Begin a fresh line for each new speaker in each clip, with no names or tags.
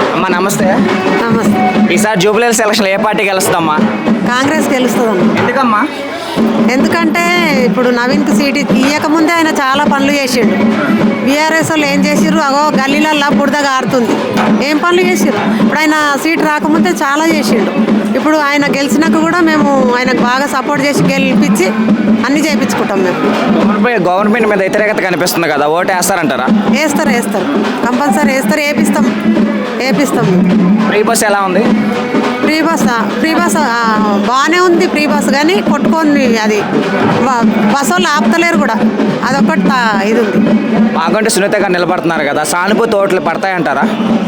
అమ్మా నమస్తే.
నమస్తే.
ఈసారి జూబ్లీ సెలక్షన్ ఏ పార్టీ గెలుస్తుందమ్మా?
కాంగ్రెస్ గెలుస్తుందన్న.
ఎందుకమ్మా?
ఎందుకంటే ఇప్పుడు నవీన్కి సీట్ ఇవ్వకముందే ఆయన చాలా పనులు చేసిండు. బీఆర్ఎస్ వాళ్ళు ఏం చేసిర్రు, అగో గల్లీలల్లా బురదగా ఆరుతుంది. ఏం పనులు చేసిర్రు? ఇప్పుడు ఆయన సీట్ రాకముందే చాలా చేసిండు. ఇప్పుడు ఆయన గెలిచినాక కూడా మేము ఆయనకు బాగా సపోర్ట్ చేసి గెలిపించి అన్నీ చేయించుకుంటాం మేము.
గవర్నమెంట్ మీద వ్యతిరేకత కనిపిస్తుంది కదా, ఓటు వేస్తారంటారా?
వేస్తారు కంపల్సరీ వేస్తారు, వేపిస్తాం.
ఫ్రీ బస్ ఎలా ఉంది?
ఫ్రీ బస్ బాగానే ఉంది. ఫ్రీ బస్ కానీ కొట్టుకొని అది బస్ వాళ్ళు ఆపుతలేరు కూడా, అదొకటి ఇది ఉంది.
మాకంటే సునీత గారు నిలబడుతున్నారు కదా, సానుభూతి ఓట్లు పడతాయంటారా?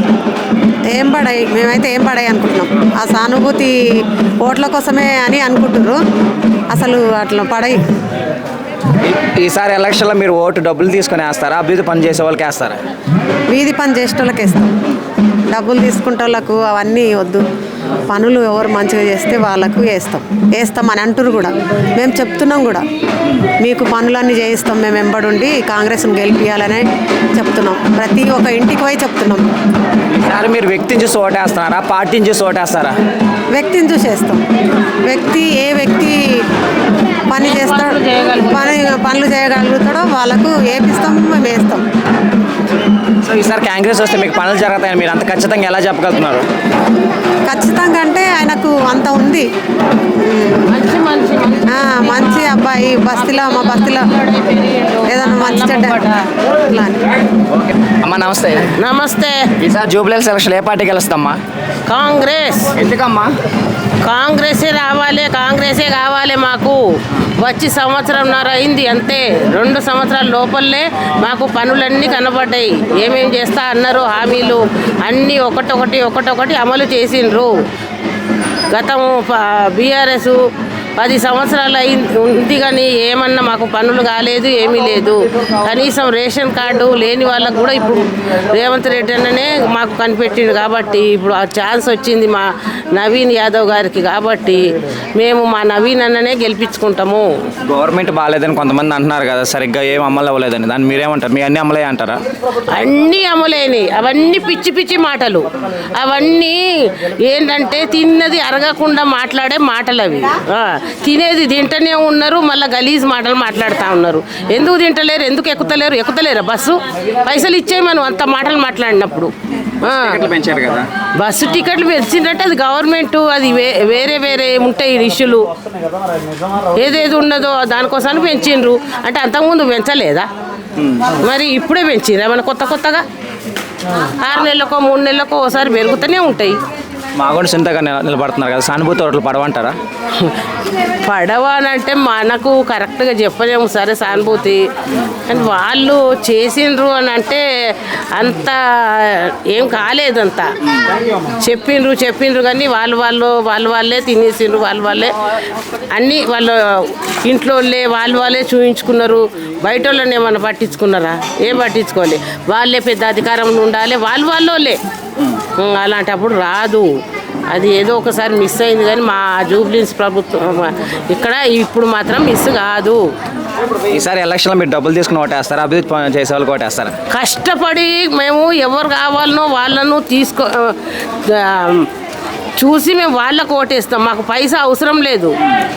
మేమైతే ఏం పడాయి అనుకుంటున్నాం. ఆ సానుభూతి ఓట్ల కోసమే అని అనుకుంటున్నారు, అసలు అట్లా పడాయి.
ఈసారి ఎలక్షన్లో మీరు ఓటు డబ్బులు తీసుకొని వేస్తారా, అభివృద్ధి పని చేసే వాళ్ళకి వేస్తారా?
వీధి పని చేసేటోళ్ళకి వేస్తాం. డబ్బులు తీసుకుంటే వాళ్ళకు అవన్నీ వద్దు. పనులు ఎవరు మంచిగా చేస్తే వాళ్ళకు వేస్తామని అంటారు కూడా. మేము చెప్తున్నాం కూడా, మీకు పనులన్నీ చేయిస్తాం మేము వెంబడుండి కాంగ్రెస్ని గెలిపించాలని చెప్తున్నాం. ప్రతి ఒక్క ఇంటికి పోయి చెప్తున్నాం.
ఈసారి మీరు వ్యక్తిని చూసి ఓటేస్తున్నారా, పార్టీని చూసి ఓటేస్తారా?
వ్యక్తిని చూసి వేస్తాం. ఏ వ్యక్తి పని చేస్తాడు, పనులు చేయగలుగుతాడో వాళ్ళకు వేపిస్తాం, మేము వేస్తాం.
సో ఈసారి కాంగ్రెస్ వస్తే మీకు పనులు జరుగుతాయని మీరు అంత ఖచ్చితంగా ఎలా చెప్పగలుగుతున్నారు?
ఖచ్చితంగా అంటే ఆయనకు అంత ఉంది. మంచి అబ్బాయి, మా బస్తీలో ఏదన్నా మంచి చెడ్డ.
అమ్మా నమస్తే.
నమస్తే.
ఈసారి జూబ్లీ సెలక్షన్ ఏ పార్టీ గెలుస్తామ్మా?
కాంగ్రెస్.
ఎందుకమ్మా?
కాంగ్రెసే కావాలి మాకు. వచ్చి సంవత్సరంన్నర అయింది అంతే. 2 సంవత్సరాల లోపలనే మాకు పనులన్నీ కనబడ్డాయి. ఏమేం చేస్తా అన్నారు, హామీలు అన్నీ ఒకటొకటి అమలు చేసిండ్రు. గతం బీఆర్ఎస్ 10 సంవత్సరాలు ఉంది కానీ ఏమన్నా మాకు పనులు కాలేదు, ఏమీ లేదు. కనీసం రేషన్ కార్డు లేని వాళ్ళకు కూడా ఇప్పుడు రేవంత్ రెడ్డి అన్ననే మాకు కనిపెట్టిండు. కాబట్టి ఇప్పుడు ఆ ఛాన్స్ వచ్చింది మా నవీన్ యాదవ్ గారికి. కాబట్టి మేము మా నవీన్ అన్ననే గెలిపించుకుంటాము.
గవర్నమెంట్ బాగాలేదని కొంతమంది అంటున్నారు కదా, సరిగ్గా ఏం అమలు అవ్వలేదని. దాన్ని మీరేమంటారు? మీ అన్ని అమలే అంటారా?
అన్నీ అమలైనవి. అవన్నీ పిచ్చి మాటలు. అవన్నీ ఏంటంటే తిన్నది అరగకుండా మాట్లాడే మాటలు అవి. తినేది తింటనే ఉన్నారు, మళ్ళీ గలీజ్ మాటలు మాట్లాడుతూ ఉన్నారు. ఎందుకు తింటలేరు, ఎందుకు ఎక్కుతలేరా బస్సు? పైసలు ఇచ్చే మనం అంత మాటలు మాట్లాడినప్పుడు.
పెంచారు కదా
బస్సు టికెట్లు పెంచిందంటే అది గవర్నమెంట్, అది వేరే ఉంటాయి ఇష్యూలు. ఏదేది ఉన్నదో దానికోసాన్ని పెంచిండ్రు. అంటే అంతకుముందు పెంచలేదా? మరి ఇప్పుడే పెంచిండ్రు ఏమన్నా కొత్తగా? 6 నెలలకో 3 నెలలకో ఒకసారి పెరుగుతూనే ఉంటాయి.
మాగోడు సింతగా నిలబడుతున్నారు కదా, సానుభూతి ఓట్లు పడవంటారా?
పడవనంటే మనకు కరెక్ట్గా చెప్పలేము. సరే సానుభూతి కానీ వాళ్ళు చేసిండ్రు అని అంటే అంత ఏం కాలేదంతా. చెప్పిండ్రు కానీ వాళ్ళే తినేసిండ్రు. వాళ్ళే అన్నీ వాళ్ళ ఇంట్లో వాళ్ళే చూయించుకున్నారు. బయట వాళ్ళని ఏమన్నా పట్టించుకున్నారా? ఏం పట్టించుకోవాలి. వాళ్ళే పెద్ద అధికారంలో ఉండాలి, వాళ్ళే. అలాంటప్పుడు రాదు. అది ఏదో ఒకసారి మిస్ అయింది కానీ మా జూబ్లీస్ ప్రభుత్వం ఇక్కడ ఇప్పుడు మాత్రం మిస్ కాదు.
ఈసారి ఎలక్షన్లో మీరు డబ్బులు తీసుకుని ఓటేస్తారా, అభివృద్ధి చేసే వాళ్ళకి ఓటేస్తారా?
కష్టపడి మేము ఎవరు కావాలనో వాళ్ళను చూసి మేము వాళ్ళకు ఓటేస్తాం. మాకు పైసా అవసరం లేదు.